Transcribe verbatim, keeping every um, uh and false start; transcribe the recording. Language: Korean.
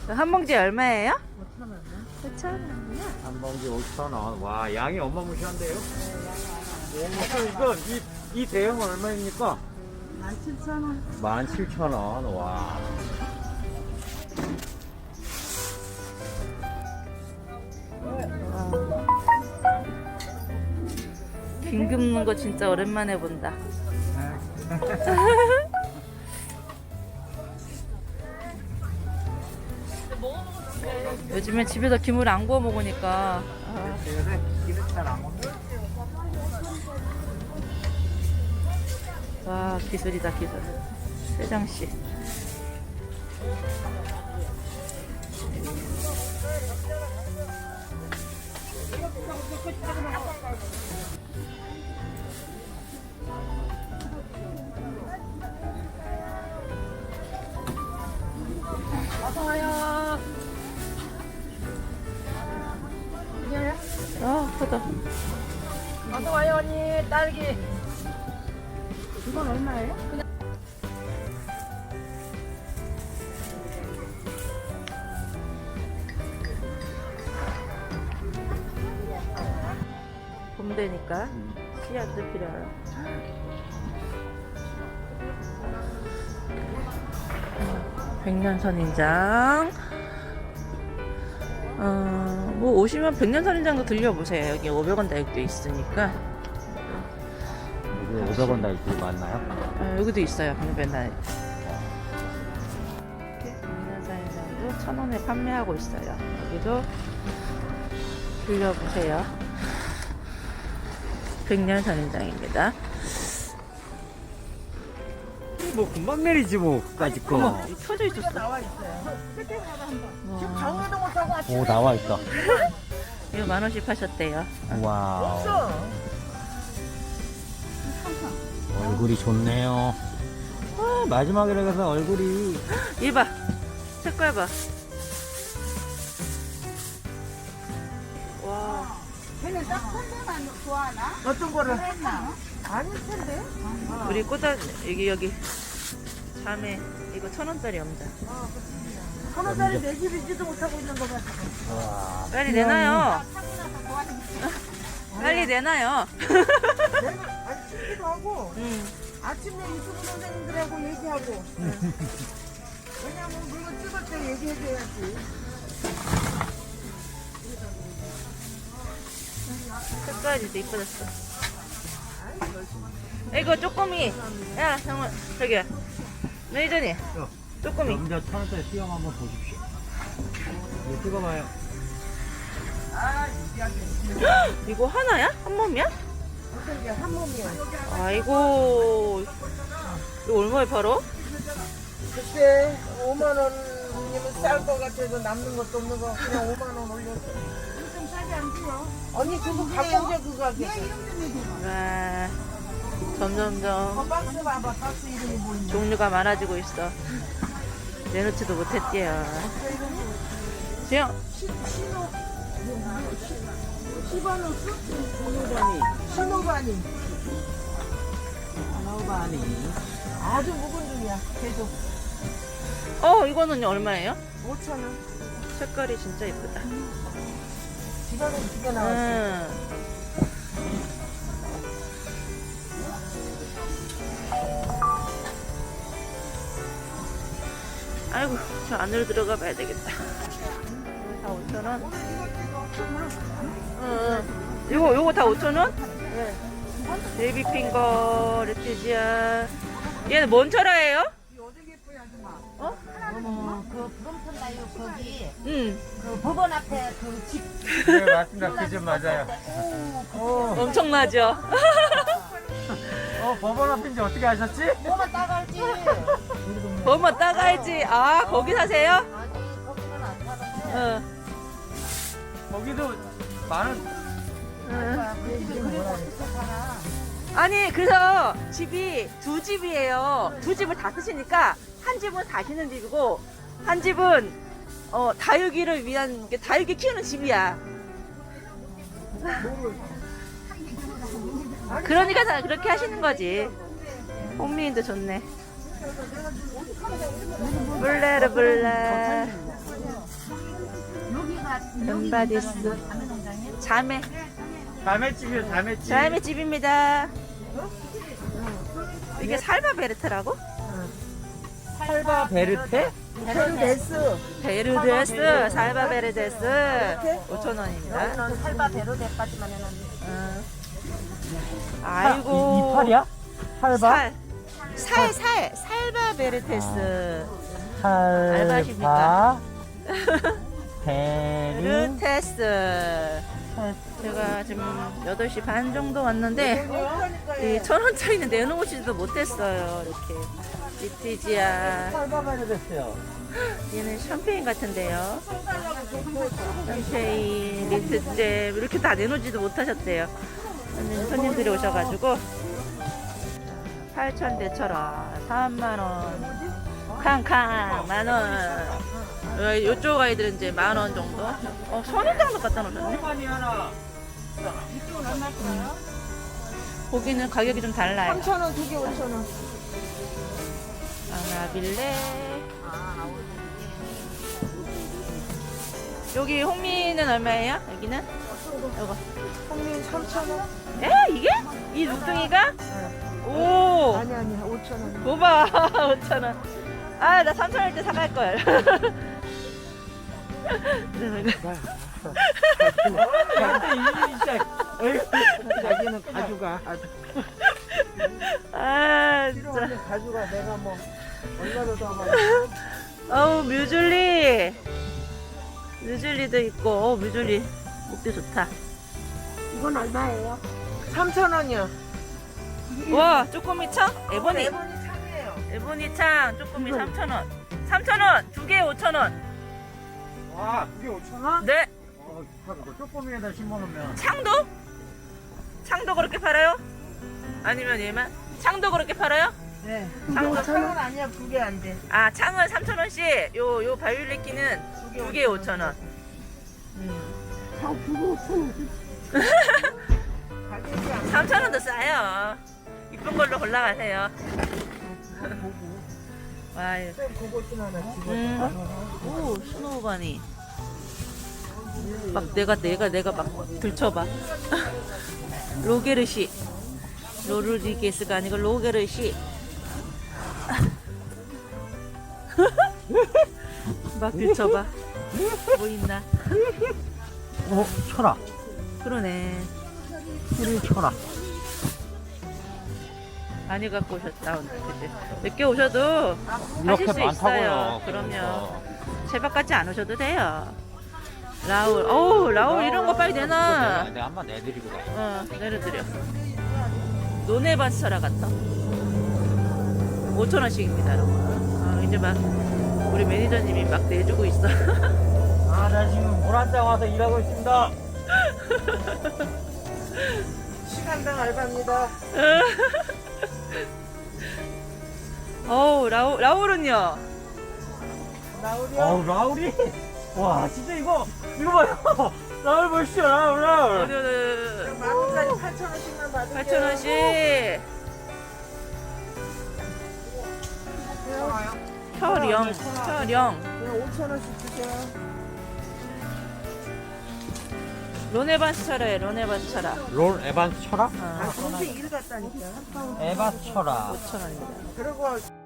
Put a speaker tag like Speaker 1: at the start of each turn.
Speaker 1: 한 봉지 얼마예요?
Speaker 2: 오천 원.
Speaker 1: 오천 원이요?
Speaker 3: 한 봉지 오천 원. 와, 양이 어마무시한데요? 오, 이거, 이, 이 대형 얼마입니까?
Speaker 2: 만 칠천 원.
Speaker 3: 만 칠천 원. 와.
Speaker 1: 김 굽는 거 진짜 오랜만에 본다. 요즘에 집에서 김을 안 구워 먹으니까 아,
Speaker 3: 요새 기름 잘안 먹어.
Speaker 1: 와 기술이다 기술. 세장씨.
Speaker 2: 어서 와요.
Speaker 1: 아 크다.
Speaker 2: 어서 와요 언니. 딸기. 이건 얼마예요? 그냥
Speaker 1: 봄 되니까 씨앗도 필요해요. 백년선인장. 어, 뭐 오시면 백년선인장도 들려보세요. 여기 오백 원 다육도 있으니까.
Speaker 3: 여기 오백 원 달기 맞나요?
Speaker 1: 어, 여기도 있어요. 방배날. 백년선인장도 천 원에 판매하고 있어요. 여기도 들려보세요. 백년선인장입니다.
Speaker 3: 뭐, 금방 내리지, 뭐, 까짓 거.
Speaker 1: 이 켜져 있었어.
Speaker 2: 나와 있어요. 지금
Speaker 1: 와,
Speaker 2: 강의도 못하고 아침에
Speaker 3: 오, 나와 있다.
Speaker 1: 이거 만 원씩 파셨대요.
Speaker 3: 와우.
Speaker 2: 없어.
Speaker 3: 얼굴이 좋네요. 아, 마지막이라 해서 얼굴이.
Speaker 1: 이봐, 색깔 봐. 와,
Speaker 4: 걔는 딱 선배만 좋아하나?
Speaker 2: 어떤 거를?
Speaker 4: 했나?
Speaker 2: 아닐 텐데.
Speaker 1: 우리 꽃다 여기 여기 자매 이거 천 원짜리 엄자.
Speaker 2: 천 원짜리 내 집이지도 못하고 있는 거 같아.
Speaker 3: 와.
Speaker 1: 빨리 내놔요. 빨리 내놔요.
Speaker 2: 내가 아니 찍기도 하고
Speaker 1: 응.
Speaker 2: 아침에 유튜브 선생님들하고 얘기하고. 왜냐면 물건 찍을 때 얘기해줘야지.
Speaker 1: 색깔이 진짜 이뻐졌어. 이거 쪼꼬미. 야, 정말 저기야. 매니저님. 쪼꼬미.
Speaker 3: 남자 천 원짜리 수영 한번 보십시오. 이거 찍어봐요.
Speaker 2: 아, 이게
Speaker 1: 이거 하나야? 한 몸이야?
Speaker 2: 어떤 게 한 몸이야.
Speaker 1: 아이고. 이거 얼마에 팔어?
Speaker 2: 그때 오만 원이면 쌀 거 같아서 남는 것도 없는 거 그냥 오만 원 올렸어.
Speaker 4: 좀 싸게 안 줘요.
Speaker 2: 언니 그거 갖고 오자 그거 하겠어.
Speaker 4: 내 이름 좀 해줘.
Speaker 1: 와, 점점점
Speaker 2: 어, 박스 봐봐. 박스 이름이 뭐니?
Speaker 1: 종류가 많아지고 있어. 내놓지도 못했지요. 지영.
Speaker 2: 신호 시바노스? 신호바니. 신호바니.
Speaker 3: 신호바니.
Speaker 2: 아주 묵은 중이야. 계속
Speaker 1: 어, 이거는 얼마예요?
Speaker 2: 오천 원.
Speaker 1: 색깔이 진짜 이쁘다.
Speaker 2: 시바노 두개 나왔어.
Speaker 1: 음. 아이고, 저 안으로 들어가 봐야 되겠다. 다 오천 원? 응. 요거, 요거 다 오천 원?
Speaker 2: 네.
Speaker 1: 베이비핑거, 레티지아. 얘는 뭔 철화예요?
Speaker 4: 어머, 그 부동산 나요 거기
Speaker 1: 응.
Speaker 4: 그 법원 앞에 그 집.
Speaker 3: 네, 맞습니다. 그 집 맞아요. 어,
Speaker 1: 엄청나죠?
Speaker 3: 어, 법원 앞인지 어떻게 아셨지?
Speaker 4: 뭐만 따갈지.
Speaker 1: 뭐만 따가야지. 아, 거기 사세요?
Speaker 4: 아니 거기는 안 사는데.
Speaker 1: 응.
Speaker 3: 거기도 많은.
Speaker 1: 응.
Speaker 4: 그 집이 그리고 어떻게 살아?
Speaker 1: 아니, 그래서 집이 두 집이에요. 두 집을 다 쓰시니까 한 집은 사시는 집이고 한 집은 어, 다육이를 위한 게 다육이 키우는 집이야. 그러니까 다 그렇게 하시는 거지. 홍미인도 좋네. 블레르 블레.
Speaker 4: 여기가
Speaker 1: 은바디스. 자매.
Speaker 3: 자매집이요, 자매집.
Speaker 1: 자매 집입니다. 이게 살바 베르트라고?
Speaker 3: 살바 베르테?
Speaker 2: 베르데스.
Speaker 1: 베르데스, 살바 베르데스. 오천 원입니다.
Speaker 4: 여기는 살바 베르데까지만 해놨는데.
Speaker 1: 응. 아이고.
Speaker 3: 이파리야? 살바?
Speaker 1: 살. 살, 살. 살바 베르테스.
Speaker 3: 살바 베르
Speaker 1: 베르테스. 제가 지금 여덟 시 반 정도 왔는데 이 천 원짜리는 내놓으지도 못했어요. 이렇게 리티지아.
Speaker 3: 살바 베르데스요.
Speaker 1: 얘는 샴페인 같은데요. 샴페인, 리트잼 이렇게 다 내놓지도 못하셨대요. 손님, 손님들이 오셔가지고 팔천 대처럼 삼만 원, 캉캉 만 원. 어, 이쪽 아이들은 이제 만 원 정도. 어, 선인장도 갖다 놓으셨네. 고기는 가격이 좀 달라요.
Speaker 2: 삼천 원 두 개 오천 원.
Speaker 1: 아나빌레. 여기 홍미는 얼마예요? 여기는? 이거.
Speaker 2: 홍민 삼천 원.
Speaker 1: 에? 이게? 이 눈둥이가? 오.
Speaker 2: 아니 아니야 오천 원.
Speaker 1: 고봐. 오천 원. 아, 나 삼천 원일 때 사갈 걸.
Speaker 2: 자기는 가져가.
Speaker 1: 아, 진짜.
Speaker 2: 필요하면 가져가. 내가 뭐 얼마로 더 하면.
Speaker 1: 어우, 뮤즐리. 뮤즐리도 있고, 어, 뮤즐리. 목대 좋다.
Speaker 2: 이건 얼마예요? 삼천 원이요.
Speaker 1: 와, 쪼꼬미 창? 에보니.
Speaker 2: 에보니 참이에요.
Speaker 1: 에보니 창, 쪼꼬미 삼천 원. 삼천 원, 두 개에 오천 원.
Speaker 3: 와, 그게 오천 원?
Speaker 1: 네.
Speaker 3: 어, 이거 쪼꼬미에다 심어놓으면.
Speaker 1: 창도? 창도 그렇게 팔아요? 아니면 얘만? 창도 그렇게 팔아요?
Speaker 2: 네.
Speaker 1: 창도
Speaker 2: 오천 원 아니야 두 개 안 돼.
Speaker 1: 아, 창은 삼천 원씩, 요, 요 바이올렛기는 두 개에 오천 원.
Speaker 2: 가격이 안
Speaker 1: 삼천 원도 싸요. 이쁜 걸로 골라가세요. 와, 이거.
Speaker 2: 돼. 그것도 하나 집어.
Speaker 1: 음. 오, 스노우바니. 막 내가, 내가, 내가 막 들춰봐. 로게르시. 로르디게스가 아니고 로게르시. 막 들춰봐. 뭐 있나?
Speaker 3: 어, 철아.
Speaker 1: 그러네.
Speaker 3: 우리 철아.
Speaker 1: 많이 갖고 오셨다, 오늘. 그치? 늦게 오셔도
Speaker 3: 이렇게
Speaker 1: 하실 수 있어요.
Speaker 3: 많다고요.
Speaker 1: 그럼요. 제박같이 안 오셔도 돼요. 라울. 어우, 라울 이런 거 빨리 내놔.
Speaker 3: 내가, 내가 한번 내드리고 가.
Speaker 1: 어, 내려드려. 노네바스처라 같다. 오천 원씩입니다, 여러분. 아, 이제 막 우리 매니저님이 막 내주고 있어.
Speaker 3: 아, 나 지금 물 한 잔 와서 일하고 있습니다.
Speaker 2: 시간당 알바입니다.
Speaker 1: 어우, 라울, 라울은요?
Speaker 2: 나오려.
Speaker 3: 어우, 라울이? 와, 진짜 이거, 이거 봐요. 라울 보시죠, 라울, 라울.
Speaker 1: 어디, 어디, 어디.
Speaker 2: 만원짜리 팔천 원씩만 받을게요.
Speaker 1: 팔천 원씩. 혈영, 혈영.
Speaker 2: 그냥 오천 원씩 주세요.
Speaker 1: 로네바스 차라에 로네바스 차라.
Speaker 3: 롤 에반스 철아?
Speaker 1: 어,
Speaker 2: 아, 그렇게 일 갔다니까.
Speaker 3: 에바스 철아.
Speaker 1: 오천 원입니다.
Speaker 2: 그리고